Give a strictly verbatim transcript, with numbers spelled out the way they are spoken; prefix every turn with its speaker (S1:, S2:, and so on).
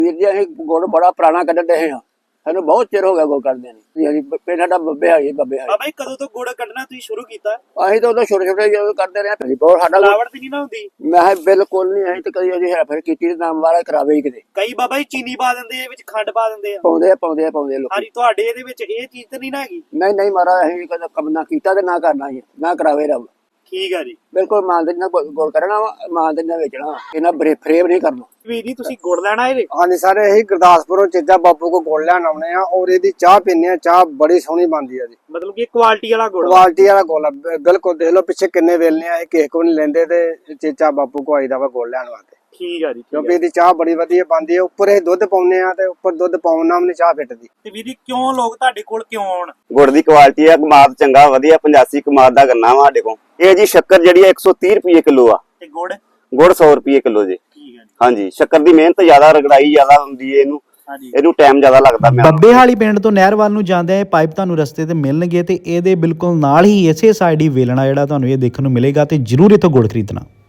S1: ਵੀਰ ਜੀ ਅਸੀਂ ਗੁੜ ਬੜਾ ਪੁਰਾਣਾ ਕੱਢਣ ਦੇ ਹਾਂ, ਸਾਨੂੰ ਬਹੁਤ ਚਿਰ ਹੋ ਗਿਆ ਗੁੜ ਕੱਢਦੇ ਨੇ। ਹਾਂਜੀ ਪਿੰਡ ਸਾਡਾ ਬੱਬੇ ਹਾਲੀ ਬੱਬੇ ਹਾਲੀ।
S2: ਬਾਬਾ ਜੀ ਕਦੋਂ ਤੋਂ ਗੁੜ ਕੱਢਣਾ ਤੁਸੀਂ ਸ਼ੁਰੂ ਕੀਤਾ?
S1: ਅਸੀਂ ਤਾਂ ਉਦੋਂ ਛੋਟੇ ਛੋਟੇ ਜਦੋਂ ਕਰਦੇ ਰਹੇ ਹਾਂ, ਬਹੁਤ ਸਾਡਾ
S2: ਮਿਲਾਵਟ ਤੇ ਨਹੀਂ ਨਾ ਹੁੰਦੀ?
S1: ਮੈਂ ਕਿਹਾ ਬਿਲਕੁਲ ਨਹੀਂ, ਅਸੀਂ ਤਾਂ ਕਦੀ ਉਹਦੀ ਹੈਰ ਫੇਰ ਕੀਤੀ ਨਾਮ ਵਾਲਾ ਕਰਾਵੇ ਹੀ ਕਿਤੇ।
S2: ਕਈ ਬਾਬਾ ਜੀ ਚੀਨੀ ਪਾ ਦਿੰਦੇ ਆ ਵਿੱਚ, ਖੰਡ ਪਾ ਦਿੰਦੇ ਆ।
S1: ਪਾਉਂਦੇ ਆ ਪਾਉਂਦੇ ਆ ਪਾਉਂਦੇ ਆ ਲੋਕ।
S2: ਹਾਂਜੀ ਤੁਹਾਡੇ ਇਹਦੇ ਵਿੱਚ ਇਹ ਚੀਜ਼ ਤਾਂ ਨਹੀਂ ਨਾ ਹੈਗੀ?
S1: ਨਹੀਂ ਨਹੀਂ ਮਹਾਰਾਜ ਅਸੀਂ ਕਦੇ ਕੰਮ ਨਾ ਕੀਤਾ ਤੇ ਨਾ ਕਰਨਾ ਹੀ ਨਾ ਕਰਾਵੇ ਰੱਬ।
S2: ਠੀਕ ਆ ਜੀ,
S1: ਬਿਲਕੁਲ ਇਮਾਨਦਾਰੀ ਨਾਲ ਗੁੜ ਕਰਨਾ ਵਾ, ਇਮਾਨਦਾਰੀ ਨਾਲ ਵੇਚਣਾ ਵਾ, ਇਹਨਾਂ ਬਰੇ ਫਰੇਬ ਨਹੀਂ ਕਰਨਾ।
S2: ਵੀਰ ਜੀ ਤੁਸੀਂ ਗੁੜ ਲੈਣਾ ਇਹਦੇ?
S3: ਹਾਂਜੀ ਸਰ, ਇਹੀ ਗੁਰਦਾਸਪੁਰੋਂ ਚੀਜ਼ਾਂ ਬਾਪੂ ਕੋ ਗੁੜ ਲੈਣ ਆਉਣੇ ਆ ਔਰ ਇਹਦੀ ਚਾਹ ਪੀਨੇ ਆ। ਚਾਹ ਬੜੀ ਸੋਹਣੀ ਬਣਦੀ ਆ ਜੀ,
S2: ਮਤਲਬ ਕਿ ਕੁਆਲਿਟੀ ਵਾਲਾ ਗੁੜ?
S3: ਕੁਆਲਿਟੀ ਵਾਲਾ ਗੁੜ ਆ, ਬਿਲਕੁਲ। ਦੇਖ ਲਓ ਪਿੱਛੇ ਕਿੰਨੇ ਵੇਲਨੇ ਆ, ਇਹ ਕਿਸੇ ਕੋ ਨਹੀਂ ਲੈਂਦੇ ਤੇ ਚੀਜ਼ਾਂ ਬਾਪੂ ਕੋ ਆਈਦਾ ਵਾ ਗੁੜ ਲੈਣ ਵਾਸਤੇ।
S2: ਠੀਕ ਆ ਜੀ,
S3: ਕਿਉਂਕਿ ਇਹਦੀ ਚਾਹ ਬੜੀ ਵਧੀਆ ਬਣਦੀ ਹੈ। ਉੱਪਰ ਇਹ ਦੁੱਧ ਪਾਉਨੇ ਆ ਤੇ ਉੱਪਰ ਦੁੱਧ ਪਾਉਣ ਨਾਲ ਵੀ ਚਾਹ ਫਿੱਟਦੀ।
S2: ਤੇ ਵੀਰ ਜੀ ਕਿਉਂ ਲੋਕ ਤੁਹਾਡੇ ਕੋਲ ਕਿਉਂ ਆਉਣ?
S4: ਗੁੜ ਦੀ ਕੁਆਲਿਟੀ ਆ, ਕਮਾਦ ਚੰਗਾ ਵਧੀਆ, ਪਚਾਸੀ ਕਮਾਦ ਦਾ ਗੰਨਾ ਵਾ ਸਾਡੇ ਕੋਲ। ਇਹ ਜੀ ਸ਼ੱਕਰ ਜਿਹੜੀ ਆ ਇੱਕ ਸੌ ਤੀਹ ਰੁਪਏ ਕਿਲੋ ਆ,
S2: ਤੇ ਗੁੜ?
S4: ਗੁੜ ਸੌ ਰੁਪਏ ਕਿਲੋ ਜੀ।
S2: ਠੀਕ ਆ ਜੀ।
S4: ਹਾਂਜੀ, ਸ਼ੱਕਰ ਦੀ ਮਿਹਨਤ ਜ਼ਿਆਦਾ, ਰਗੜਾਈ ਜ਼ਿਆਦਾ ਹੁੰਦੀ ਹੈ, ਇਹਨੂੰ ਇਹਨੂੰ ਟਾਈਮ ਜ਼ਿਆਦਾ ਲੱਗਦਾ।
S5: ਬੱਬੇ ਹਾਲੀ ਪਿੰਡ ਤੋਂ ਨਹਿਰ ਵੱਲ ਨੂੰ ਜਾਂਦੇ ਆ ਇਹ ਪਾਈਪ ਤੁਹਾਨੂੰ ਰਸਤੇ ਤੇ ਮਿਲਣਗੇ ਤੇ ਇਹਦੇ ਬਿਲਕੁਲ ਨਾਲ ਹੀ ਇਸੇ ਸਾਈਡ ਹੀ ਵੇਲਣਾ ਜਿਹੜਾ ਤੁਹਾਨੂੰ ਇਹ ਦੇਖਣ ਨੂੰ ਮਿਲੇਗਾ ਤੇ ਜਰੂਰ ਇੱਥੋਂ ਗੁੜ ਖਰੀਦਣਾ।